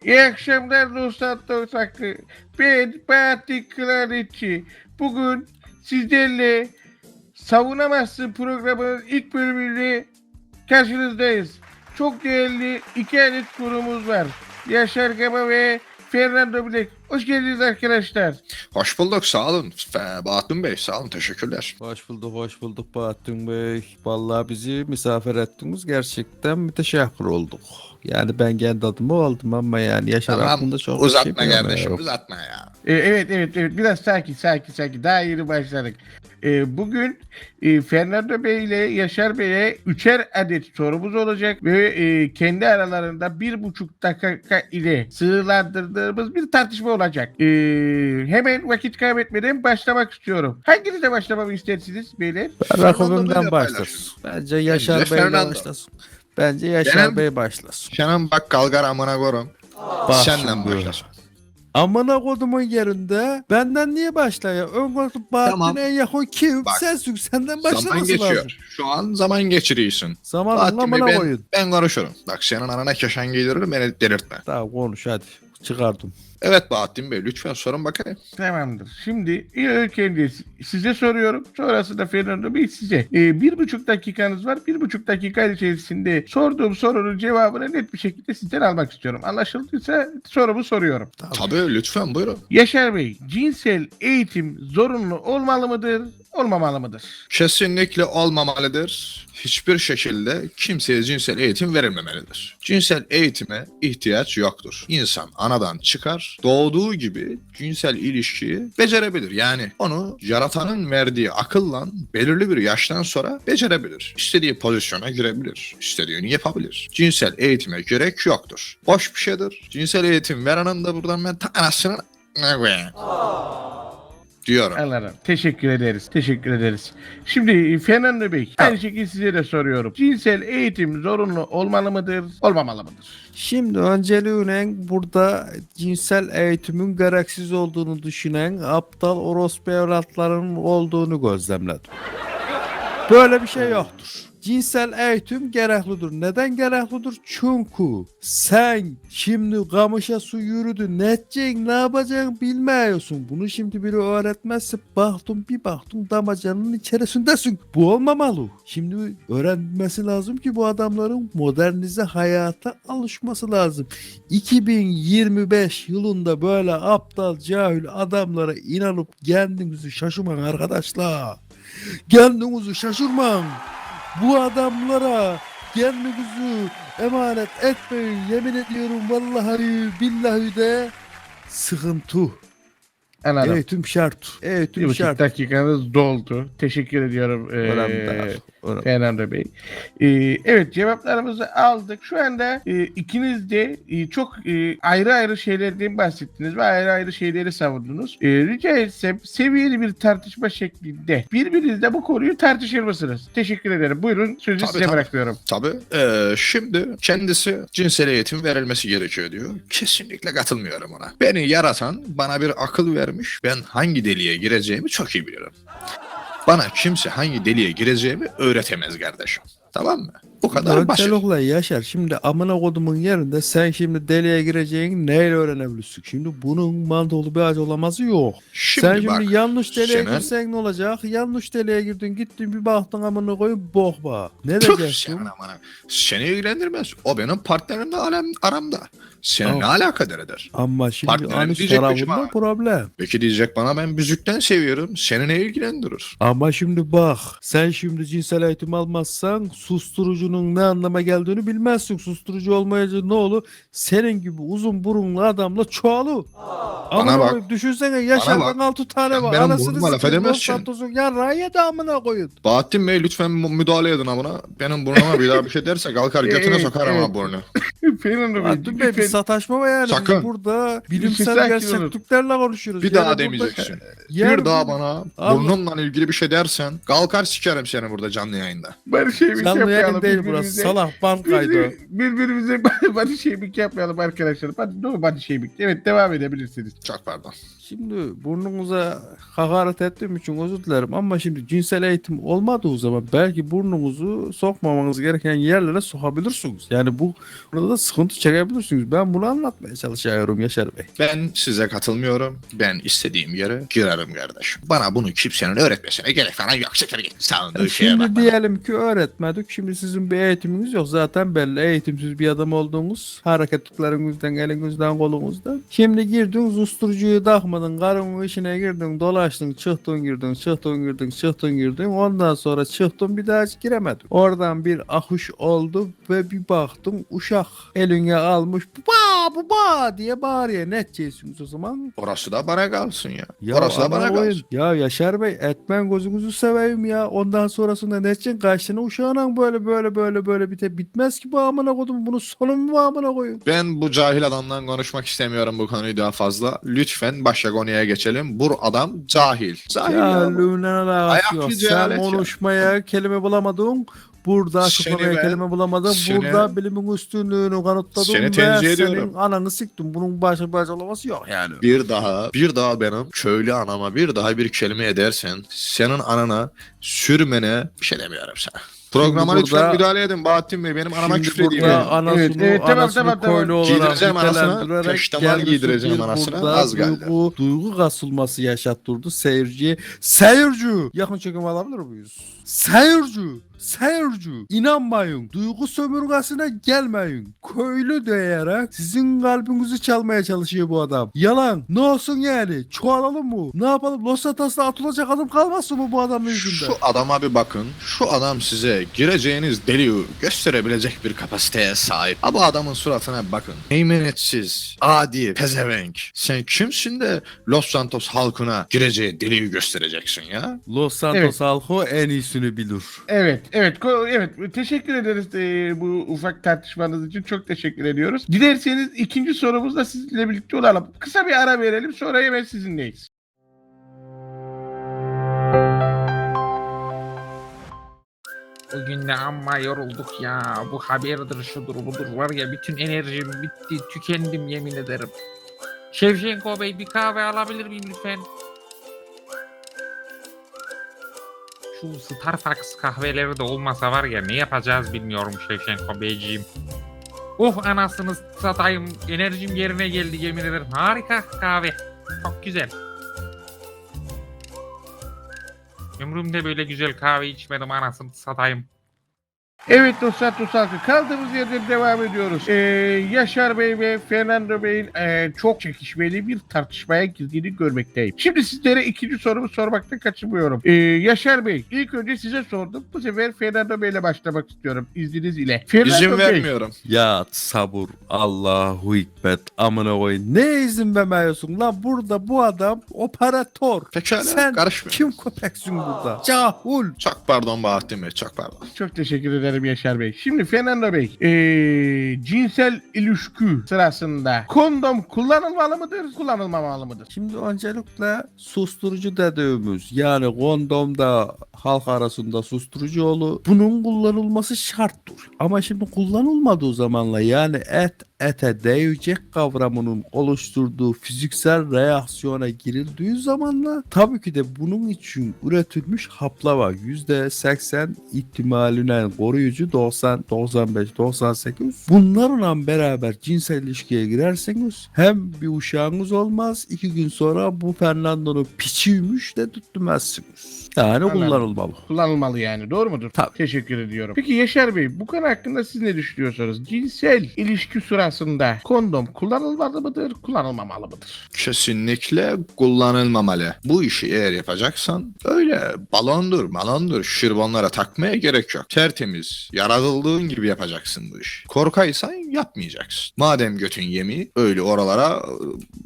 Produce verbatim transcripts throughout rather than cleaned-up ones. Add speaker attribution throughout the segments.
Speaker 1: İyi akşamlar dostlar dostaklı. Ben Bahattin Kıraretçi. Bugün sizlerle Savunamazsın programının ilk bölümüyle karşınızdayız. Çok değerli iki adet konumuz var. Yaşar Gama ve Fernando Black. Hoş geldiniz arkadaşlar.
Speaker 2: Hoş bulduk, sağ olun. Fe- Bahattin Bey, sağ olun, teşekkürler.
Speaker 3: Hoş bulduk, hoş bulduk Bahattin Bey. Vallahi bizi misafir ettiniz. Gerçekten müteşekkir olduk. Yani ben kendi adıma oldum ama yani Yaşar
Speaker 2: Tamam,
Speaker 3: hakkında çok bir
Speaker 2: uzatma
Speaker 3: şey
Speaker 2: kardeşim,
Speaker 3: bilmiyorum.
Speaker 2: uzatma ya.
Speaker 1: Ee, evet evet evet biraz sakin sakin sakin. Daha yeni başladık. Ee, bugün e, Fernando Bey ile Yaşar Bey'e üçer adet sorumuz olacak ve e, kendi aralarında bir buçuk dakika ile sığırlandırdığımız bir tartışma olacak. Ee, hemen vakit kaybetmeden başlamak istiyorum. Hanginizle başlamamı istersiniz beyler?
Speaker 3: Ben
Speaker 2: Fernando
Speaker 3: rakibimden
Speaker 2: Bey'le
Speaker 3: başlasın. Bence Yaşar
Speaker 2: Bence
Speaker 3: Bey'le
Speaker 2: Fernando.
Speaker 3: başlasın. Bence Yaşar
Speaker 2: Benim-
Speaker 3: Bey başlasın.
Speaker 2: Senin bak kalgar amına korum.
Speaker 3: Bak
Speaker 2: Senden
Speaker 3: şimdi.
Speaker 2: başlasın.
Speaker 3: Amına kodumun yerinde benden niye başlıyor? Ön koltuk Bahattin'e
Speaker 2: Tamam.
Speaker 3: en yakın kim?
Speaker 2: Bak,
Speaker 3: Sensin, senden
Speaker 2: Zaman
Speaker 3: başlaması
Speaker 2: geçiyor.
Speaker 3: lazım.
Speaker 2: Şu an zaman geçiriyorsun.
Speaker 3: Zamanın
Speaker 2: Bahattin Bey,
Speaker 3: amına
Speaker 2: ben,
Speaker 3: koyun.
Speaker 2: ben konuşurum. Bak senin anana keşen giydiririm, beni delirtme.
Speaker 3: Tamam konuş hadi. Çıkardım.
Speaker 2: Evet Bahattin Bey, lütfen sorun bakayım.
Speaker 1: Tamamdır. Şimdi ilk önce size soruyorum. Sonrasında Fernando Bey size. Ee, bir buçuk dakikanız var. Bir buçuk dakika içerisinde sorduğum sorunun cevabını net bir şekilde sizden almak istiyorum. Anlaşıldıysa sorumu soruyorum.
Speaker 2: Tabii, lütfen buyurun.
Speaker 1: Yaşar Bey, cinsel eğitim zorunlu olmalı mıdır, olmamalı mıdır?
Speaker 2: Kesinlikle olmamalıdır. Hiçbir şekilde kimseye cinsel eğitim verilmemelidir. Cinsel eğitime ihtiyaç yoktur. İnsan anadan çıkar, doğduğu gibi cinsel ilişkiyi becerebilir. Yani onu yaratanın verdiği akılla belirli bir yaştan sonra becerebilir. İstediği pozisyona girebilir. İstediğini yapabilir. Cinsel eğitime gerek yoktur. Boş bir şeydir. Cinsel eğitim verenin de buradan ben ta anasını ne koyayım diyorum.
Speaker 1: Anladım. Teşekkür ederiz. Teşekkür ederiz. Şimdi Fernando Bey, aynı şekilde size de soruyorum. Cinsel eğitim zorunlu olmalı mıdır, olmamalı mıdır?
Speaker 3: Şimdi önceliğine burada cinsel eğitimin gereksiz olduğunu düşünen aptal orospu evlatlarının olduğunu gözlemledim. Böyle bir şey yoktur. Cinsel eğitim gereklidir. Neden gereklidir? Çünkü sen şimdi kamışa su yürüdün. Ne edeceksin, ne yapacaksın bilmiyorsun. Bunu şimdi biri öğretmezse baktın bir baktın damacanın içerisindesin. Bu olmamalı. Şimdi öğrenmesi lazım ki bu adamların modernize hayata alışması lazım. iki bin yirmi beş yılında böyle aptal cahil adamlara inanıp kendinizi şaşırmayın arkadaşlar. Kendinizi şaşırmayın. Bu adamlara kendinizi emanet etmeyin. Yemin ediyorum vallahi billahi de sıkıntı.
Speaker 1: Anladım.
Speaker 3: Eğitim şart.
Speaker 1: Bir
Speaker 3: Eğitim
Speaker 1: buçuk
Speaker 3: şart.
Speaker 1: dakikanız doldu. Teşekkür ediyorum ee,
Speaker 3: Önemli değil. Önemli.
Speaker 1: Fernando Bey. Ee, evet cevaplarımızı aldık. Şu anda e, ikiniz de e, çok e, ayrı ayrı şeylerden bahsettiniz ve ayrı ayrı şeyleri savundunuz. E, rica etsem seviyeli bir tartışma şeklinde birbirinizle bu konuyu tartışır mısınız? Teşekkür ederim. Buyurun sözü
Speaker 2: Tabii,
Speaker 1: size
Speaker 2: tabii.
Speaker 1: bırakıyorum.
Speaker 2: Tabii. Ee, şimdi kendisi cinsel eğitim verilmesi gerekiyor diyor. Kesinlikle katılmıyorum ona. Beni yaratan bana bir akıl vermiş. Ben hangi deliğe gireceğimi çok iyi bilirim. Bana kimse hangi deliğe gireceğimi öğretemez kardeşim. Tamam mı? Bu kadar basit.
Speaker 3: Öncelikle Yaşar şimdi amına kodumun yerinde sen şimdi deliğe gireceğin neyle öğrenebilirsin? Şimdi bunun mantıklı bir açıklaması yok.
Speaker 2: Şimdi
Speaker 3: sen
Speaker 2: bak,
Speaker 3: şimdi yanlış deliğe
Speaker 2: senin-
Speaker 3: girsen ne olacak? Yanlış deliğe girdin gittin bir baktın amına koyup bok bak. Ne
Speaker 2: Tüh,
Speaker 3: diyeceksin?
Speaker 2: senin amına. Seni ilgilendirmez. O benim partnerimle alem, aramda. Seni
Speaker 3: Tamam.
Speaker 2: ne alakadar eder?
Speaker 3: Ama şimdi
Speaker 2: Partnerim
Speaker 3: anüs
Speaker 2: diyecek mi
Speaker 3: tarafında
Speaker 2: bana?
Speaker 3: problem.
Speaker 2: Peki diyecek bana ben büzükten seviyorum. Seni ne ilgilendirir?
Speaker 3: Ama şimdi bak sen şimdi cinsel eğitim almazsan susturucunun ne anlama geldiğini bilmezsin. Susturucu olmayınca ne olur? Senin gibi uzun burunlu adamla çoğalır. Ama
Speaker 2: bak.
Speaker 3: düşünsene Yaşar'dan
Speaker 2: bak.
Speaker 3: altı tane
Speaker 2: Sen
Speaker 3: var.
Speaker 2: benim
Speaker 3: Anasını
Speaker 2: burnuma laf
Speaker 3: sikeyim,
Speaker 2: edemezsin.
Speaker 3: Los Santos'un yarrağı da amına koyun.
Speaker 2: Bahattin Bey lütfen mu- müdahale edin amına. Benim burnuma bir daha bir şey derse kalkar götüne
Speaker 1: Evet,
Speaker 2: sokar ama
Speaker 1: evet.
Speaker 2: burnu.
Speaker 1: Fernando Bey,
Speaker 3: Bahattin Bey bir
Speaker 1: lütfen-
Speaker 3: sataşma var yani.
Speaker 2: Sakın.
Speaker 3: Biz burada
Speaker 1: Bir
Speaker 3: bilimsel
Speaker 1: sakin olun.
Speaker 3: gerçekliklerle konuşuyoruz.
Speaker 2: Bir
Speaker 3: Yani
Speaker 2: daha
Speaker 3: burada-
Speaker 2: demeyeceksin.
Speaker 3: Yani
Speaker 2: bir daha
Speaker 3: bu-
Speaker 2: bana
Speaker 3: Allah-
Speaker 2: burnunla ilgili bir şey dersen kalkar sikerim seni burada canlı yayında.
Speaker 1: barış evimiz
Speaker 3: Canlı
Speaker 1: yapmayalım.
Speaker 3: yayındayız değil burası.
Speaker 1: birbirimize-
Speaker 3: Salak bankaydı.
Speaker 1: Birbir- Birbirimize body shaming yapmayalım arkadaşlar. Body, no body shaming. Evet, devam edebilirsiniz.
Speaker 2: Çok pardon.
Speaker 3: Şimdi burnunuza hakaret ettiğim için özür dilerim ama şimdi cinsel eğitim olmadığı zaman belki burnunuzu sokmamanız gereken yerlere sokabilirsiniz. Yani bu burada da sıkıntı çekebilirsiniz. Ben bunu anlatmaya çalışıyorum Yaşar Bey.
Speaker 2: Ben size katılmıyorum. Ben istediğim yere girerim kardeşim. Bana bunu kimsenin öğretmesine gerek falan yok. Siktir git. Sağındığı şeye
Speaker 3: Şimdi
Speaker 2: bakma.
Speaker 3: diyelim ki öğretmedik. Şimdi sizin bir eğitiminiz yok. Zaten belli eğitimsiz bir adam olduğunuz. Hareketlerinizden, elinizden, kolunuzdan. Şimdi girdiniz usturucuyu takmadın. Karının işine girdin, dolaştın, çıktın girdin, çıktın girdin, çıktın girdin. Ondan sonra çıktın bir daha hiç giremedin. Oradan bir akış oldu ve bir baktım uşak eline almış. Baba baba diye bağırıyor. Ne edeceksiniz o zaman?
Speaker 2: Orası da bana kalsın ya.
Speaker 3: Ya
Speaker 2: Orası da bana
Speaker 3: ana oyun.
Speaker 2: kalsın.
Speaker 3: Ya Yaşar Bey etmen gözünüzü seveyim ya. Ondan sonrasında ne edeceksin? Kaç tane uşağına böyle böyle böyle böyle bite bitmez ki bu amına koydum. Bunun sonu mu bu amına koyun?
Speaker 2: Ben bu cahil adamdan konuşmak istemiyorum bu konuyu daha fazla. Lütfen başka konuya geçelim. Bu adam cahil. Cahil ya.
Speaker 3: Ya
Speaker 2: bu.
Speaker 3: lünen alakası
Speaker 2: Ayak
Speaker 3: yok.
Speaker 2: bir
Speaker 3: Sen
Speaker 2: cehalet ya.
Speaker 3: konuşmaya kelime bulamadın. Burada
Speaker 2: Seni
Speaker 3: açıklamaya
Speaker 2: ben-
Speaker 3: kelime bulamadın.
Speaker 2: seni-
Speaker 3: Burada bilimin üstünlüğünü kanıtladın.
Speaker 2: Seni
Speaker 3: ve
Speaker 2: tenzih
Speaker 3: senin
Speaker 2: ediyorum.
Speaker 3: ananı siktim. Bunun başka bir açıklaması yok yani.
Speaker 2: Bir daha, bir daha benim köylü anama bir daha bir kelime edersen senin anana sürmene bir şey demiyorum sana. Programa
Speaker 3: Şimdi
Speaker 2: lütfen
Speaker 3: burada-
Speaker 2: müdahale edin Bahattin Bey. Benim anama
Speaker 3: Şimdi
Speaker 2: küfür edeyim.
Speaker 3: burada
Speaker 2: yani.
Speaker 3: anasını,
Speaker 1: Evet, evet, tamam,
Speaker 3: anasını
Speaker 1: tamam, tamam.
Speaker 3: koylu olarak
Speaker 2: Giydireceğim anasını,
Speaker 3: nitelendirerek
Speaker 2: peştemal
Speaker 3: kendisi
Speaker 2: giydireceğim
Speaker 3: bir
Speaker 2: anasını,
Speaker 3: burada
Speaker 2: az geldi.
Speaker 3: Duygu, duygu kasılması yaşattırdı seyirciye. Seyirci! Yakın çekim alabilir miyiz? Seyirci! Seyirci! İnanmayın. Duygu sömürgesine gelmeyin. Köylü diyerek sizin kalbinizi çalmaya çalışıyor bu adam. Yalan. Ne olsun yani? Çoğalalım mı? Ne yapalım? Los Sanatos'ta atılacak adam kalmasın mı bu adamın yüzünden?
Speaker 2: Şu adama bir bakın. Şu adam size gireceğiniz deliği gösterebilecek bir kapasiteye sahip. Ha bu adamın suratına bir bakın. Eymenetsiz, adi, pezevenk. Sen kimsin de Los Santos halkına gireceği deliği göstereceksin ya?
Speaker 3: Los Santos
Speaker 1: Evet.
Speaker 3: halkı en iyisini bilir.
Speaker 1: Evet, evet, ko- evet. Teşekkür ederiz e, bu ufak tartışmanız için. Çok teşekkür ediyoruz. Dilerseniz ikinci sorumuzla sizinle birlikte olalım. Kısa bir ara verelim, sonra hemen sizinleyiz.
Speaker 4: Bugün de amma yorulduk ya. Bu haberdir şudur budur var ya bütün enerjim bitti. Tükendim yemin ederim. Şevşenko Bey bir kahve alabilir miyim lütfen? Şu Starbucks kahveleri de olmasa var ya ne yapacağız bilmiyorum Şevşenko Beyciğim. Oh anasını satayım. Enerjim yerine geldi yemin ederim. Harika kahve. Çok güzel. Ömrümde böyle güzel kahve içmedim anasını satayım.
Speaker 1: Evet dostlar, Tosalkı kaldığımız yerden devam ediyoruz. Ee, Yaşar Bey ve Fernando Bey'in e, çok çekişmeli bir tartışmaya girdiğini görmekteyim. Şimdi sizlere ikinci sorumu sormaktan kaçınmıyorum. Ee, Yaşar Bey, ilk önce size sordum. Bu sefer Fernando Bey ile başlamak istiyorum izninizle. ile. Fernando
Speaker 2: İzin
Speaker 1: Bey,
Speaker 2: vermiyorum.
Speaker 3: Ya sabır Allahu hikmet amına koyayım. Ne izin vermiyorsun lan burada bu adam operatör.
Speaker 2: Pekala,
Speaker 3: Sen
Speaker 2: karışmıyorum.
Speaker 3: kim köpeksin burada? Cahul.
Speaker 2: Çok pardon Bahattin Bey, çok pardon.
Speaker 1: Çok teşekkür ederim Yaşar Bey. Şimdi Fernando Bey, ee, cinsel ilişki sırasında kondom kullanılmalı mıdır, kullanılmamalı mıdır?
Speaker 3: Şimdi öncelikle susturucu dediğimiz yani kondomda halk arasında susturucu olur. Bunun kullanılması şarttır. Ama şimdi kullanılmadığı zamanla yani et ete değecek kavramının oluşturduğu fiziksel reaksiyona girildiği zamanla tabii ki de bunun için üretilmiş haplar var. yüzde seksen ihtimaline koruyucu doksan, doksan beş, doksan sekiz. Bunlarla beraber cinsel ilişkiye girerseniz hem bir uşağınız olmaz, iki gün sonra bu Fernando'nun piçiymiş de tutmazsınız. Yani
Speaker 1: Anladım.
Speaker 3: kullanılmalı.
Speaker 1: Kullanılmalı yani, doğru mudur?
Speaker 3: Tabii.
Speaker 1: Teşekkür ediyorum. Peki Yaşar Bey, bu konu hakkında siz ne düşünüyorsunuz? Cinsel ilişki sırasında kondom kullanılmalı mıdır, kullanılmamalı mıdır?
Speaker 2: Kesinlikle kullanılmamalı. Bu işi eğer yapacaksan öyle balondur balondur şirbonlara takmaya gerek yok. Tertemiz, yaratıldığın gibi yapacaksın bu işi. Korkaysan yapmayacaksın. Madem götün yemi öyle oralara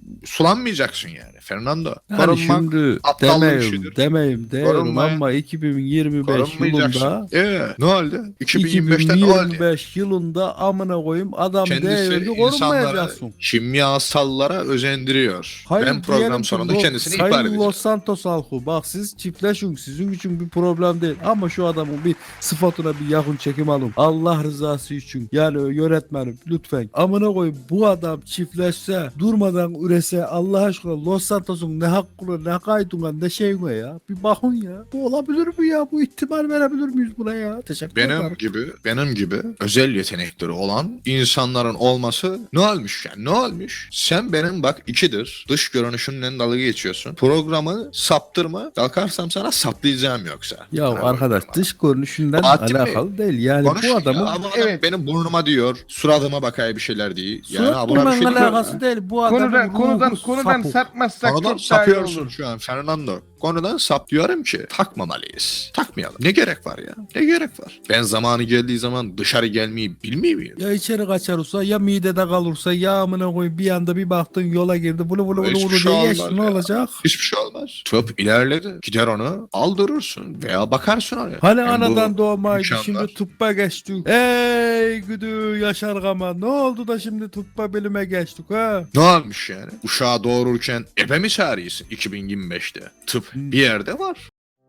Speaker 2: sulanmayacaksın yani Fernando.
Speaker 3: Yani
Speaker 2: Korunmak
Speaker 3: şimdi
Speaker 2: aptallık
Speaker 3: demeyim,
Speaker 2: işidir.
Speaker 3: demeyim diyorum
Speaker 2: Korunmaya-
Speaker 3: ama iki bin yirmi beş
Speaker 2: korunmayacaksın.
Speaker 3: yılında
Speaker 2: Ee, ne oldu? iki bin yirmi beşte ne oldu?
Speaker 3: iki bin yirmi beş yılında amına koyayım adam
Speaker 2: Kendisi
Speaker 3: devirdi
Speaker 2: insanlara,
Speaker 3: korunmayacaksın.
Speaker 2: kimyasallara özendiriyor. ben
Speaker 3: diyelim
Speaker 2: program
Speaker 3: ki
Speaker 2: sonunda
Speaker 3: Lo-
Speaker 2: kendisini ihbar
Speaker 3: Sayın
Speaker 2: edeceğim.
Speaker 3: Los Santos halkı bak siz çiftleşin sizin için bir problem değil ama şu adamın bir sıfatına bir yakın çekim alın. Allah rızası için yani yönetmenim lütfen amına koyayım bu adam çiftleşse durmadan ürese Allah aşkına Los Santos'un ne hakkına ne kaydına ne şeyine ya bir bakın ya bu olabilir mi ya bu ihtimal verebilir miyiz buna ya teşekkür
Speaker 2: Benim
Speaker 3: ederim.
Speaker 2: gibi, benim gibi özel yetenekleri olan insanların olması ne olmuş yani ne olmuş? Sen benim bak ikidir dış görünüşümle dalga geçiyorsun. Programı saptırma kalkarsam sana saplayacağım yoksa.
Speaker 3: Ya
Speaker 2: Bana
Speaker 3: arkadaş
Speaker 2: bakma.
Speaker 3: dış görünüşünden
Speaker 2: Bahattin Bey,
Speaker 3: alakalı değil yani
Speaker 2: Konuş
Speaker 3: bu
Speaker 2: ya,
Speaker 3: adamın
Speaker 2: abi adam
Speaker 1: Evet.
Speaker 2: benim burnuma diyor, suratıma bakaya bir şeyler değil. Yani
Speaker 3: surat
Speaker 2: ha, buna bir
Speaker 3: bulmanla
Speaker 2: şey diyor.
Speaker 3: alakası değil bu adamın
Speaker 1: Konudan
Speaker 3: ruhu
Speaker 1: konudan konudan
Speaker 3: sapık.
Speaker 1: sapmazsak
Speaker 2: Konudan
Speaker 1: çok daha iyi
Speaker 2: sapıyorsun
Speaker 1: olur.
Speaker 2: şu an Fernando. Konudan sap diyorum ki takmamalıyız. Takmayalım. Ne gerek var ya? Ne gerek var? Ben zamanı geldiği zaman dışarı gelmeyi bilmiyor muyum?
Speaker 3: Ya içeri kaçarsa ya midede kalırsa ya amına koyayım bir anda bir baktın yola girdi bunu bunu bunu
Speaker 2: Hiçbir
Speaker 3: bunu
Speaker 2: şey
Speaker 3: diye
Speaker 2: olmaz
Speaker 3: geçti ne
Speaker 2: ya.
Speaker 3: olacak?
Speaker 2: Hiçbir şey olmaz. Tıp ilerledi. Gider onu aldırırsın veya bakarsın oraya.
Speaker 3: Hani
Speaker 2: Yani bu
Speaker 3: anadan doğmaydı
Speaker 2: imkanlar.
Speaker 3: şimdi tıbba geçtik. Ey güdü Yaşar Gama ne oldu da şimdi tıbba bilime geçtik ha?
Speaker 2: Ne olmuş yani? Uşağı doğururken ebe mi çağırıyorsun iki bin yirmi beşte? Tıp
Speaker 3: Hmm.
Speaker 2: bir yerde var.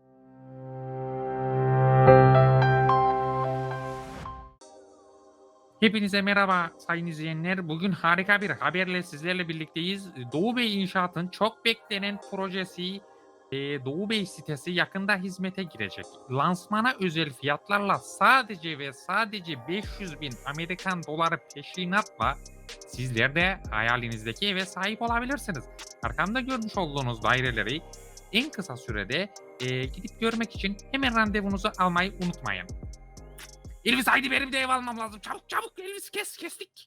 Speaker 4: Hepinize merhaba sayın izleyenler. Bugün harika bir haberle sizlerle birlikteyiz. Doğu Bey İnşaat'ın çok beklenen projesi e, Doğu Bey sitesi yakında hizmete girecek. Lansmana özel fiyatlarla sadece ve sadece beş yüz bin Amerikan doları peşinatla sizler de hayalinizdeki eve sahip olabilirsiniz. Arkamda görmüş olduğunuz daireleri en kısa sürede e, gidip görmek için hemen randevunuzu almayı unutmayın. Elvis haydi benim de ev almam lazım. Çabuk çabuk Elvis kes kestik.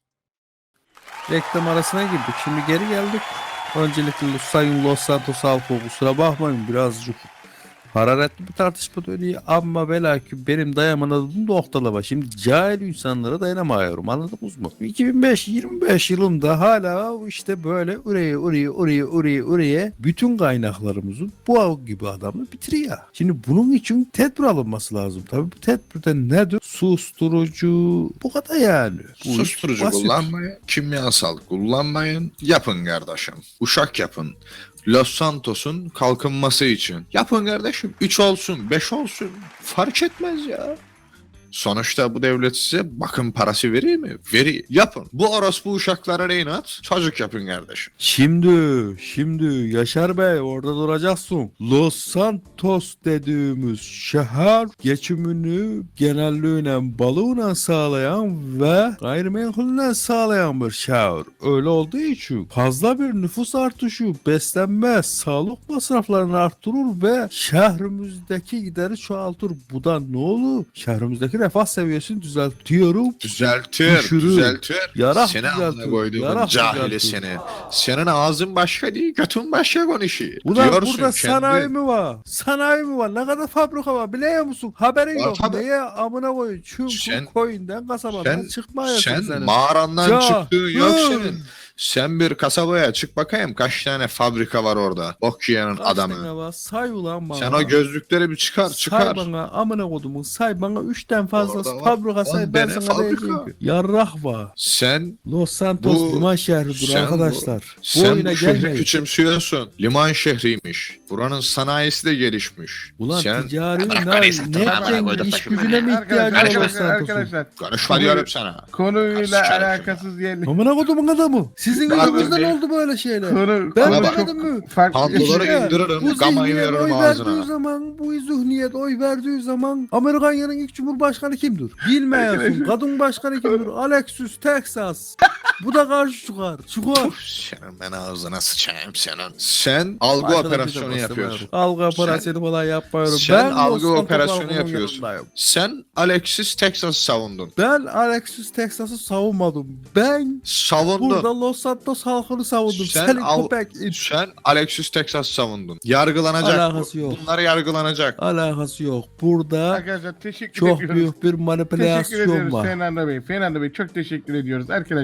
Speaker 3: Reklam arasına girdik şimdi geri geldik. Öncelikle Sayın Los Santos halkı kusura bakmayın birazcık hararetli bir tartışma dönüyor ama belki benim dayamadığım noktalar var. Şimdi cahil insanlara dayanamıyorum anladınız mı? iki bin beş yirmi beş yılında hala işte böyle oraya oraya oraya oraya oraya bütün kaynaklarımızın bu gibi adamı bitiriyor. Şimdi bunun için tedbir alınması lazım. Tabii bu tedbirde nedir? Susturucu bu kadar yani. Bu iş
Speaker 2: Susturucu
Speaker 3: basit.
Speaker 2: kullanmayın, kimyasal kullanmayın. Yapın kardeşim. Uşak yapın. Los Santos'un kalkınması için. Yapın kardeşim. üç olsun, beş olsun. Fark etmez ya. Sonuçta bu devlet size bakım parası veriyor mu? Veriyor. Yapın. Bu orospu uşaklara rehin at. Çocuk yapın kardeşim.
Speaker 3: Şimdi, şimdi Yaşar Bey orada duracaksın. Los Santos dediğimiz şehir geçimini genelliğine balığına sağlayan ve gayrimenkulüne sağlayan bir şehir. Öyle olduğu için fazla bir nüfus artışı, beslenme, sağlık masraflarını arttırır ve şehrimizdeki gideri çoğaltır. Bu da ne olur? Şehrimizdeki refah seviyesini düzeltiyorum.
Speaker 2: Düzeltir,
Speaker 3: Düşürür.
Speaker 2: düzeltir.
Speaker 3: Yarak
Speaker 2: seni
Speaker 3: düzeltir,
Speaker 2: amına koyduğumun
Speaker 3: yarak
Speaker 2: cahili
Speaker 3: düzeltir.
Speaker 2: seni. Senin ağzın başka değil, götün başka konuşuyor.
Speaker 3: Ulan
Speaker 2: Diyorsun
Speaker 3: burada
Speaker 2: kendi-
Speaker 3: sanayi mi var? Sanayi mi var? Ne kadar fabrika var biliyor musun? Haberin
Speaker 2: Var
Speaker 3: yok.
Speaker 2: tabii.
Speaker 3: Neye amına koyun? Çünkü
Speaker 2: Sen-
Speaker 3: koyundan kasabadan
Speaker 2: sen-
Speaker 3: çıkmıyorsun
Speaker 2: Sen
Speaker 3: senin.
Speaker 2: mağarandan
Speaker 3: Ya,
Speaker 2: çıktığın yok
Speaker 3: hı.
Speaker 2: senin. Sen bir kasabaya çık bakayım kaç tane fabrika var orada. Bok yiyenin
Speaker 3: Kaç
Speaker 2: adamı.
Speaker 3: tane var? Say ulan bana.
Speaker 2: Sen o gözlükleri bir çıkar
Speaker 3: Say
Speaker 2: çıkar.
Speaker 3: bana amına kodumun say bana üçten fazlası
Speaker 2: Orada var.
Speaker 3: fabrika say
Speaker 2: On
Speaker 3: ben
Speaker 2: tane
Speaker 3: sana
Speaker 2: fabrika.
Speaker 3: diyeceğim ki. Yarrah var.
Speaker 2: Sen
Speaker 3: Los Santos
Speaker 2: Bu-
Speaker 3: liman şehridir
Speaker 2: sen
Speaker 3: arkadaşlar. Bu,
Speaker 2: sen
Speaker 3: oyuna
Speaker 2: bu şehri
Speaker 3: gelmeyin.
Speaker 2: küçümsüyorsun. Liman şehriymiş. Buranın sanayisi de gelişmiş.
Speaker 3: Ulan
Speaker 2: sen
Speaker 3: ticari
Speaker 2: Bırak
Speaker 3: ne,
Speaker 2: beni satın,
Speaker 3: ne
Speaker 2: bana
Speaker 3: yapacaksın?
Speaker 2: koyduk
Speaker 3: İş
Speaker 2: başımı.
Speaker 3: gücüne mi ihtiyacı var Los
Speaker 1: Arkadaşlar,
Speaker 3: Santos'un?
Speaker 1: arkadaşlar
Speaker 2: konuşma diyorum sana.
Speaker 1: konuyla
Speaker 2: Sikerim
Speaker 1: alakasız yerli.
Speaker 3: Amına kodumun adamı. Sizin
Speaker 2: Bahattin
Speaker 3: yüzünüzden
Speaker 2: Bey.
Speaker 3: oldu böyle şeyler.
Speaker 1: Konu,
Speaker 3: Ben
Speaker 1: konu
Speaker 2: bak.
Speaker 3: demedim
Speaker 1: çok
Speaker 3: mi?
Speaker 1: farklı.
Speaker 2: Pantolonu
Speaker 3: İşte
Speaker 2: indiririm,
Speaker 3: bu
Speaker 2: gamayı
Speaker 3: zihniyet
Speaker 2: veririm
Speaker 3: oy verdiği
Speaker 2: ağzına.
Speaker 3: zaman, bu zihniyet oy verdiği zaman Amerika'nın ilk cumhurbaşkanı kimdir? Bilmiyorsun. Kadın başkanı kimdir? Alexis Texas. Bu da karşı çıkar. Çıkar.
Speaker 2: Senin ben ağzına sıçayım senin. Sen algı
Speaker 3: Başka da bir de
Speaker 2: operasyonu
Speaker 3: bastırmıyorum.
Speaker 2: yapıyorsun.
Speaker 3: Algı operasyonu falan yapmıyorum.
Speaker 2: sen
Speaker 3: ben
Speaker 2: algı
Speaker 3: Los Santos
Speaker 2: operasyonu
Speaker 3: halkının
Speaker 2: yapıyorsun.
Speaker 3: yanındayım.
Speaker 2: Sen Alexis Texas'ı savundun.
Speaker 3: Ben Alexis Texas'ı savunmadım. Ben
Speaker 2: Savundun.
Speaker 3: burada Los Santos halkını savundum.
Speaker 2: Sen
Speaker 3: Senin
Speaker 2: al-
Speaker 3: köpek it.
Speaker 2: Sen Alexis Texas'ı savundun. Yargılanacak.
Speaker 3: Alakası
Speaker 2: bu.
Speaker 3: yok.
Speaker 2: Bunlar yargılanacak.
Speaker 3: Alakası yok. Burada
Speaker 1: Arkadaşlar teşekkür
Speaker 3: çok
Speaker 1: ediyoruz.
Speaker 3: büyük bir
Speaker 1: Teşekkür
Speaker 3: manipülasyon
Speaker 1: ediyoruz
Speaker 3: var.
Speaker 1: Fernando Bey. Fernando Bey çok teşekkür ediyoruz arkadaşlar.
Speaker 3: Önemli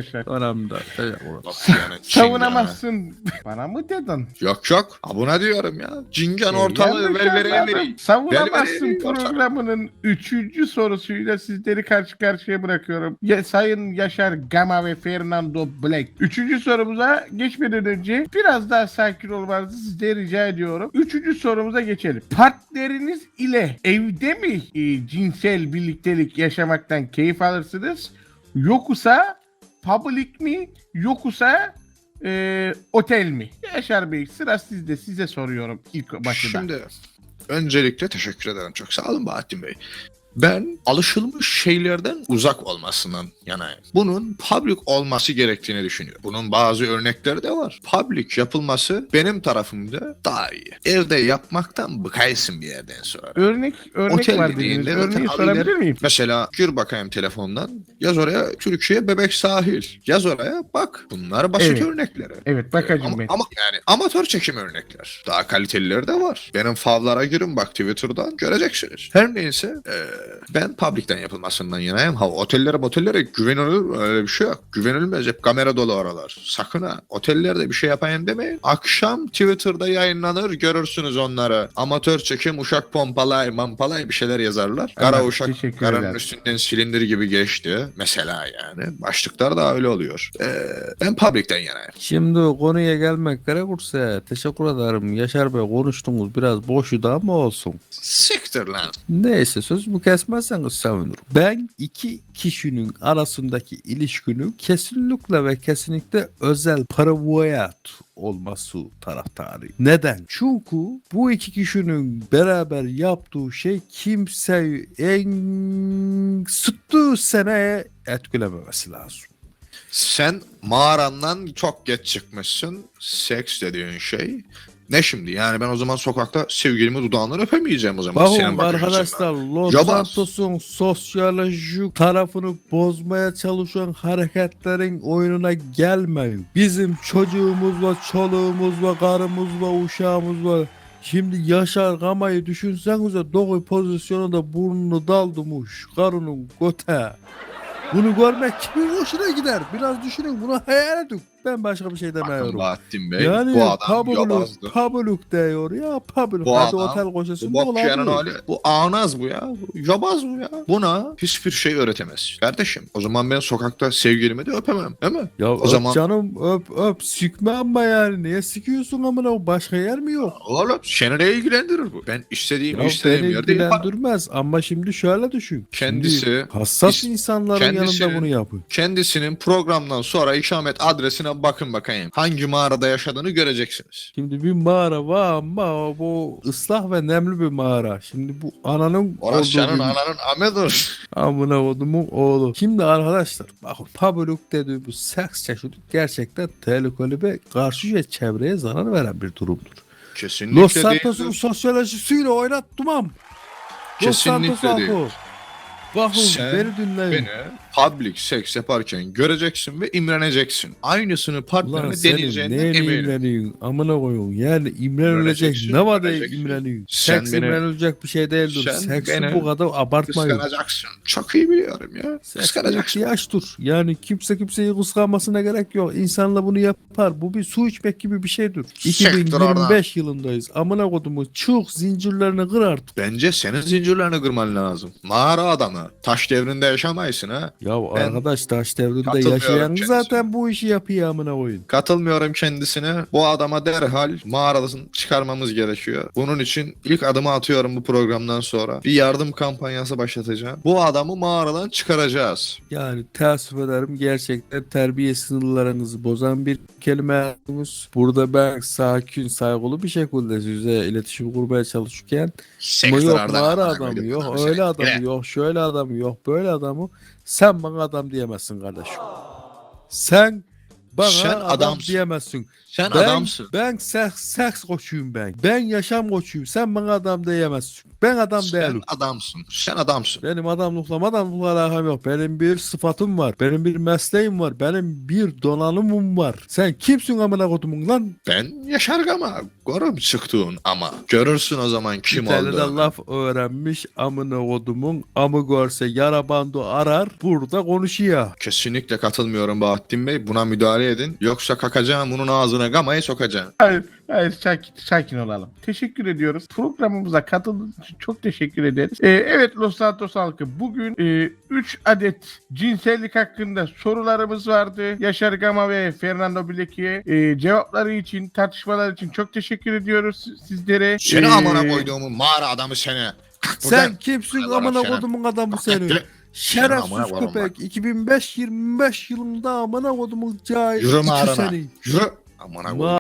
Speaker 3: hem de. Teşekkür ederim.
Speaker 2: Bak yani çingene.
Speaker 1: Savunamazsın. Bana mı dedin?
Speaker 2: Yok yok. Ha buna diyorum ya. Cingen
Speaker 1: Ee,
Speaker 2: ortalığı
Speaker 1: yanlış
Speaker 2: ver vereye
Speaker 1: anladım.
Speaker 2: vereyim.
Speaker 1: Savunamazsın
Speaker 2: Ver, ver, ver,
Speaker 1: programının üçüncü sorusuyla sizleri karşı karşıya bırakıyorum. Ya, Sayın Yaşar Gama ve Fernando Black. Üçüncü sorumuza geçmeden önce biraz daha sakin olmanızı sizden rica ediyorum. Üçüncü sorumuza geçelim. Partneriniz ile evde mi e, cinsel birliktelik yaşamaktan keyif alırsınız? Yoksa public mi? Yoksa e, otel mi? Yaşar Bey, sıra sizde. Size soruyorum ilk başta.
Speaker 2: Şimdi öncelikle teşekkür ederim. Çok sağ olun Bahattin Bey. Ben alışılmış şeylerden uzak olmasından yanayım. Bunun public olması gerektiğini düşünüyorum. Bunun bazı örnekleri de var. Public yapılması benim tarafımda daha iyi. Evde yapmaktan bıkaysın bir yerden sonra.
Speaker 1: Örnek örnek
Speaker 2: Otel
Speaker 1: var dediniz.
Speaker 2: dediğinde
Speaker 1: Örneği
Speaker 2: zaten
Speaker 1: sorabilir
Speaker 2: abiler-
Speaker 1: miyim?
Speaker 2: Mesela gir bakayım telefondan. Yaz oraya Türkiye Bebek Sahil. Yaz oraya bak. Bunlar basit
Speaker 1: Evet.
Speaker 2: örnekleri.
Speaker 1: Evet, bakacağım
Speaker 2: Ama,
Speaker 1: ben.
Speaker 2: ama yani amatör çekim örnekler. Daha kalitelileri de var. Benim favlara girin bak Twitter'dan göreceksiniz. Her neyse eee, ben public'ten yapılmasından yanayım. Ha otellere otellere güvenilir öyle bir şey yok. Güvenilmez, hep kamera dolu oralar. Sakın ha otellerde bir şey yapayım demeyin. Akşam Twitter'da yayınlanır, görürsünüz onları. Amatör çekim uşak pompalay mampalay bir şeyler yazarlar. Kara
Speaker 1: Evet,
Speaker 2: uşak
Speaker 1: teşekkür
Speaker 2: karanın
Speaker 1: ederim.
Speaker 2: üstünden silindir gibi geçti. Mesela yani. Başlıklar da öyle oluyor. Eee, ben public'ten yanayım.
Speaker 3: Şimdi konuya gelmek gerekirse teşekkür ederim. Yaşar Bey konuştunuz biraz boşu da ama olsun.
Speaker 2: Siktir lan.
Speaker 3: Neyse sözümü kesmezseniz sevinirim. Ben iki kişinin arasındaki ilişkinin kesinlikle ve kesinlikle özel private olması taraftarıyım. Neden? Çünkü bu iki kişinin beraber yaptığı şey kimseyi en sıttığı seneye etkilememesi lazım.
Speaker 2: Sen mağarandan çok geç çıkmışsın. Seks dediğin şey. Ne şimdi? Yani ben o zaman sokakta sevgilimi dudağından öpemeyeceğim o zaman.
Speaker 3: Bakın
Speaker 2: senin bakış
Speaker 3: arkadaşlar
Speaker 2: açından.
Speaker 3: Los
Speaker 2: Yobaz.
Speaker 3: Santos'un sosyolojik tarafını bozmaya çalışan hareketlerin oyununa gelmeyin. Bizim çocuğumuz var, çoluğumuz var, karımız var, uşağımız var. Şimdi Yaşar Gama'yı düşünsenize doğu pozisyonunda burnunu daldırmış karının göte. Bunu görmek kimin hoşuna gider? Biraz düşünün, bunu hayal edin. Ben başka bir şey
Speaker 2: Bakın
Speaker 3: demiyorum.
Speaker 2: Bahattin Bey,
Speaker 3: Yani
Speaker 2: bu adam
Speaker 3: pabuluk,
Speaker 2: yobazdı.
Speaker 3: pabuluk diyor ya pabuluk.
Speaker 2: Bu
Speaker 3: Hadi
Speaker 2: adam,
Speaker 3: otel
Speaker 2: Bu
Speaker 3: koşasın
Speaker 2: bokçuyanın
Speaker 3: olabilir.
Speaker 2: hali. Bu ağnaz bu ya. Bu yobaz bu ya. Buna hiçbir şey öğretemez. Kardeşim o zaman ben sokakta sevgilimi de öpemem. Değil mi?
Speaker 3: Ya
Speaker 2: O
Speaker 3: öp
Speaker 2: zaman-
Speaker 3: canım öp öp sikme ama yani niye sikiyorsun amına başka yer mi yok?
Speaker 2: Oğlum seni ne ilgilendirir bu? Ben istediğim
Speaker 3: Ya
Speaker 2: istediğim
Speaker 3: beni
Speaker 2: yerde yaparım.
Speaker 3: ilgilendirmez ama şimdi şöyle düşün.
Speaker 2: Kendisi-
Speaker 3: Şimdi hassas
Speaker 2: is-
Speaker 3: insanların
Speaker 2: kendisinin-
Speaker 3: yanında bunu yapın.
Speaker 2: Kendisinin programdan sonra ikamet adresine bakın bakayım. Hangi mağarada yaşadığını göreceksiniz.
Speaker 3: Şimdi bir mağara var ama bu ıslah ve nemli bir mağara. Şimdi bu ananın
Speaker 2: Orası senin
Speaker 3: bir-
Speaker 2: ananın amedir.
Speaker 3: amına kodumun oğlu. Şimdi arkadaşlar bakın pabuluk dediği bu seks çeşidi gerçekten tehlikeli ve karşı çevreye zarar veren bir durumdur.
Speaker 2: Kesinlikle
Speaker 3: Los Santos'un
Speaker 2: değildir.
Speaker 3: sosyolojisiyle oynatmam. Los
Speaker 2: Kesinlikle
Speaker 3: Santos
Speaker 2: değil.
Speaker 3: haklı. Bakın
Speaker 2: Sen
Speaker 3: beni dinleyin.
Speaker 2: Beni public seks yaparken göreceksin ve imreneceksin. Aynısını
Speaker 3: Ulan
Speaker 2: partnerine
Speaker 3: senin
Speaker 2: deneyeceğinden
Speaker 3: neyine
Speaker 2: eminim.
Speaker 3: imreniyorsun? Amına koyun. Yani imrenilecek
Speaker 2: İmreneceksin,
Speaker 3: ne var da
Speaker 2: imreneceksin.
Speaker 3: imreniyorsun?
Speaker 2: Sen
Speaker 3: Seks
Speaker 2: beni-
Speaker 3: imrenilecek bir şey değildir.
Speaker 2: sen
Speaker 3: Seksi
Speaker 2: beni
Speaker 3: bu kadar abartmayın.
Speaker 2: Kıskanacaksın. Çok iyi biliyorum ya.
Speaker 3: Seks bir
Speaker 2: Kıskanacaksın.
Speaker 3: ihtiyaçtır. Yani kimse kimseyi kıskanmasına gerek yok. İnsanla bunu yapar. Bu bir su içmek gibi bir şeydir.
Speaker 2: Siktir
Speaker 3: iki bin yirmi beş yılındayız. Amına kodumu çık zincirlerini kır artık.
Speaker 2: Bence senin zincirlerini kırman lazım. Mağara adamı. Taş devrinde yaşamaysın ha.
Speaker 3: Ya
Speaker 2: Ben
Speaker 3: arkadaş taş devrinde
Speaker 2: katılmıyorum
Speaker 3: yaşayan
Speaker 2: kendisine.
Speaker 3: zaten bu işi yapıyor amına koyun.
Speaker 2: Katılmıyorum kendisine. Bu adama derhal mağaradan çıkarmamız gerekiyor. Bunun için ilk adımı atıyorum bu programdan sonra. Bir yardım kampanyası başlatacağım. Bu adamı mağaradan çıkaracağız.
Speaker 3: Yani teessüf ederim gerçekten terbiye sınırlarınızı bozan bir kelime yaptınız. Burada ben sakin, saygılı bir şekilde size iletişim kurmaya çalışırken ama
Speaker 2: Sektör
Speaker 3: yok
Speaker 2: aradan
Speaker 3: mağara
Speaker 2: amına
Speaker 3: adamı
Speaker 2: koydum
Speaker 3: yok,
Speaker 2: adamı
Speaker 3: öyle
Speaker 2: seni.
Speaker 3: adamı
Speaker 2: Yine.
Speaker 3: yok, şöyle adamı yok, böyle adamı sen bana adam diyemezsin kardeşim. Sen Bana
Speaker 2: Sen
Speaker 3: adam
Speaker 2: adamsın.
Speaker 3: diyemezsin.
Speaker 2: Sen
Speaker 3: Ben,
Speaker 2: adamsın.
Speaker 3: ben seks, seks koçuyum ben. Ben yaşam koçuyum. Sen bana adam diyemezsin. Ben adam
Speaker 2: Sen
Speaker 3: değilim.
Speaker 2: adamsın. Sen adamsın.
Speaker 3: Benim adamlıkla adamlıkla alakam yok. Benim bir sıfatım var. Benim bir mesleğim var. Benim bir donanımım var. Sen kimsin amına kodumun lan?
Speaker 2: Ben Yaşar Gama. Görüp çıktığın ama. Görürsün o zaman kim
Speaker 3: Bir tane de
Speaker 2: olduğunu.
Speaker 3: laf öğrenmiş amına kodumun. Amı görse yara bandı arar. Burada konuşuyor.
Speaker 2: Kesinlikle katılmıyorum Bahattin Bey. Buna müdahale edin. Yoksa kakacağım bunun ağzına gamayı sokacağım.
Speaker 1: Hayır, hayır sakin, sakin olalım. Teşekkür ediyoruz. Programımıza katıldığınız için çok teşekkür ederiz. Ee, evet Los Santos halkı, bugün üç adet cinsellik hakkında sorularımız vardı. Yaşar Gama ve Fernando Bileki'ye e, cevapları için, tartışmalar için çok teşekkür ediyoruz sizlere.
Speaker 2: Seni
Speaker 1: Ee,
Speaker 2: amına koyduğumun mağara adamı seni. Kalk
Speaker 3: Sen
Speaker 2: buradan.
Speaker 3: kimsin
Speaker 2: Hadi
Speaker 3: amına
Speaker 2: Şeref.
Speaker 3: kodumun adamı
Speaker 2: Kalk
Speaker 3: senin?
Speaker 2: gel. amına
Speaker 3: Şerefsiz
Speaker 2: koyarım
Speaker 3: köpek. iki bin beş yirmi beş yılında amına kodumun cahil.
Speaker 2: Yürü
Speaker 3: iki
Speaker 2: mağarana.
Speaker 3: seni.
Speaker 2: Yürü. Amına koyduğum.